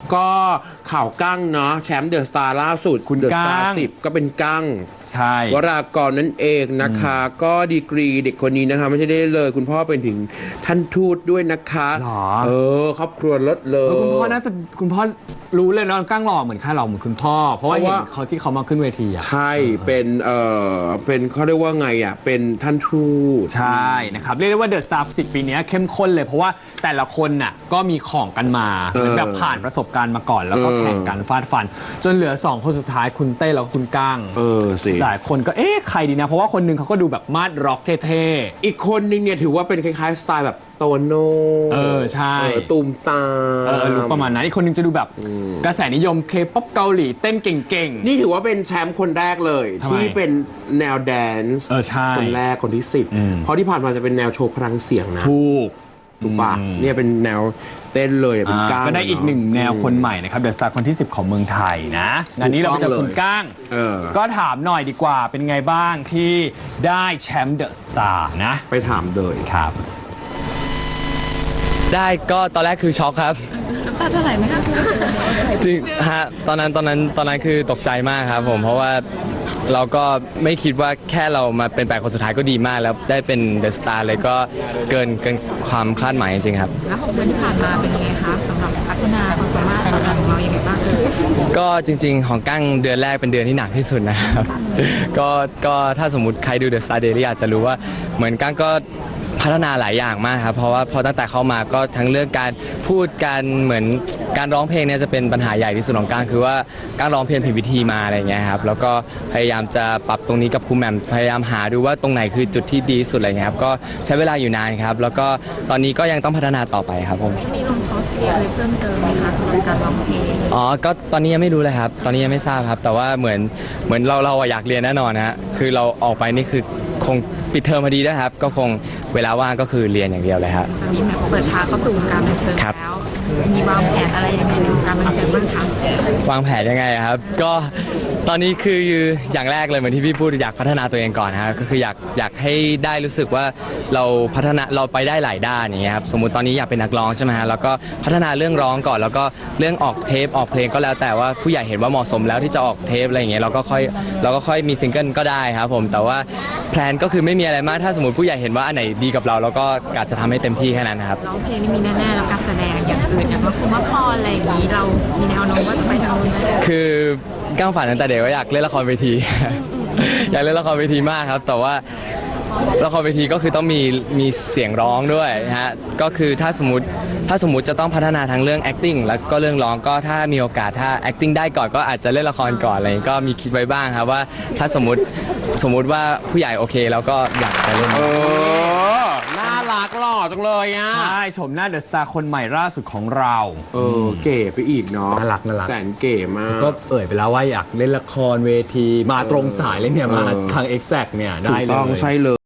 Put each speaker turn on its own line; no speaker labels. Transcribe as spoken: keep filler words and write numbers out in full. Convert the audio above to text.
ก็ข่าวกั้งเนาะแชมป์เดอะสตาร์ล่าสุดคุณเดอะสตาร์สิบก็เป็นกั้ง
ใช่
วรากรนั่นเองนะคะก็ดีกรีเด็กคนนี้นะคะไม่ใช่ได้เลยคุณพ่อเป็นถึงท่านทูตด้วยนะคะเออครอบครัวลดเลย
คุณพ่อน่าจะคุณพ่อรู้เลยนะกั้งหล่อเหมือนข้าหล่อเหมือนคุณพ่อเพราะว่าเห็นเขาที่เขามาขึ้นเวทีอ่ะ
ใช่เป็นเออเป็นเขาเรียกว่าไงอ่ะเป็นท่านทูต
ใช่นะครับเรียกได้ว่าเดอะสตาร์สิบปีนี้เข้มข้นเลยเพราะว่าแต่ละคนน่ะก็มีของกันมาเหมือนแบบผ่านประสบการณ์มาก่อนแล้วก็แข่งกันฟาดฟันจนเหลือสองคนสุดท้ายคุณเต้แล้วก็คุณก้าง
เออสิ
หลายคนก็เอ๊ะใครดีนะเพราะว่าคนนึงเขาก็ดูแบบมาดร็อกเท่
ๆอีกคนนึงเนี่ยถือว่าเป็นคล้ายๆสไตล์แบบโตโน่
เออใช่
ตูมตา
เออรู้ประมาณนั้นอีกคนนึงจะดูแบบกระแสนิยมเคป๊อปเกาหลีเต้นเก่ง
ๆนี่ถือว่าเป็นแชมป์คนแรกเลยที่เป็นแนวแดนซ์คนแรกคนที่สิบเพราะที่ผ่านมาจะเป็นแนวโชว์พลังเสียงนะ
ถูก
ถูกปะเนี่ยเป็นแนวเต้นเลยเป็นก้าง
ก็ได้อีกหนึ่งแนวคนใหม่นะครับเดอะสตาร์คนที่สิบของเมืองไทยนะงานนี้เราไปเจอคุณก้างก็ถามหน่อยดีกว่าเป็นไงบ้างที่ได้แชมป์เดอะสตาร์นะ
ไปถามเลย
ครับ
ได้ก็ตอนแรกคือช็อกครับ
น้ำตาจะไหลไหมคะ
จริงฮะตอนนั้นตอนนั้นตอนนั้นคือตกใจมากครับผมเพราะว่าเราก็ไม่คิดว่าแค่เรามาเป็นแปดคนสุดท้ายก็ดีมากแล้วได้เป็นเดอะสตาร์เลยก็เกินเกินความคาดหมายจริงๆครับ
แล้วหกเดือนที่ผ่านมาเป็นยังไงคะสำหรับพัฒนาความสามารถของเราอย่างไรบ้าง
ก็จริงๆของกั้งเดือนแรกเป็นเดือนที่หนักที่สุดนะครับก็ก็ถ้าสมมติใครดูเดอะสตาร์เดลี่อาจจะรู้ว่าเหมือนกั้งก็พัฒนาหลายอย่างมากครับเพราะว่าพอตั้งแต่เข้ามาก็ทั้งเรื่องการพูดการเหมือนการร้องเพลงเนี่ยจะเป็นปัญหาใหญ่ที่สุดของก้างคือว่าก้างร้องเพลงผิดวิธีมาอะไรเงี้ยครับแล้วก็พยายามจะปรับตรงนี้กับครูแหม่มพยายามหาดูว่าตรงไหนคือจุดที่ดีสุดอะไรเงี้ยครับก็ใช้เวลาอยู่นานครับแล้วก็ตอนนี้ก็ยังต้องพัฒนาต่อไปครับผม
มีลงคอร์สเรียนอะไรเพิ่มเติมไหมคะสำหรับการร้องเพลง
อ๋อก็ตอนนี้ยังไม่รู้เลยครับตอนนี้ยังไม่ทราบครับแต่ว่าเหมือนเหมือนเราเราอยากเรียนแน่นอนฮะคือเราออกไปนี่คือคงปิดเทอมพอดีด้วยครับก็คงเวลาว่างก็คือเรียนอย่างเดียวเลยครับ
ตอนนี้แบบเปิดทางเข้าสู่วงการบันเทิงแล้วมีวางแผนอะไรยังไงในวงการบันเทิงบ้างคะ
วางแผนยังไงครับก็ตอนนี้คืออย่างแรกเลยเหมือนที่พี่พูดอยากพัฒนาตัวเองก่อนฮะก็คืออยากอยากให้ได้รู้สึกว่าเราพัฒนาเราไปได้หลายด้านอย่างเงี้ยครับสมมุติตอนนี้อยากเป็นนักร้องใช่ไหมฮะแล้วก็พัฒนาเรื่องร้องก่อนแล้วก็เรื่องออกเทปออกเพลงก็แล้วแต่ว่าผู้ใหญ่เห็นว่าเหมาะสมแล้วที่จะออกเทปอะไรอย่างเงี้ยเราก็ค่อยเราก็ค่อยมีซิงเกิลก็ได้ครับผมแต่ว่าแพลนก็คือไม่มีอะไรมากถ้าสมมติผู้ใหญ่เห็นว่าอันไหนดีกับเราเราก็กะจะทำให้เต็มที่แค่นั้นครับ
ร้องเพลงนี่มีแน่ๆแล้วการแสดงอย่างอื่นอย่างว่าคุณว่าพออะไรอย่างนี้เรามีแนวโน้มว่าจะไปทางนู้นไหม
คือก้างฝันตั้งแต่เด็กว่าอยากเล่นละครเวทีอยากเล่นละครเวทีมากครับแต่ว่าละครเวทีก็คือต้องมีมีเสียงร้องด้วยฮะก็คือถ้าสมมติถ้าสมมติจะต้องพัฒนาทั้งเรื่อง acting แล้วก็เรื่องร้องก็ถ้ามีโอกาสถ้า acting ได้ก่อนก็อาจจะเล่นละครก่อนอะไรก็มีคิดไว้บ้างครับว่าถ้าสมมติสมมติว่าผู้ใหญ่โอเคแล้วก็อยากจะเล่น
เออน่ารักหล่อจังเลยอ่ะ
ใช่ชมหน้าเดอะสตาร์คนใหม่ล่าสุดของเรา
เออเก๋ไปอีกเนาะ
น่ารักน่ารัก
แสนเก๋มาก
ก็เอ่ยไปแล้วว่าอยากเล่นละครเวทีมาตรงสายเลยเนี่ยมาทาง Exact เนี่ยได้เลย
ต้องใช่เลย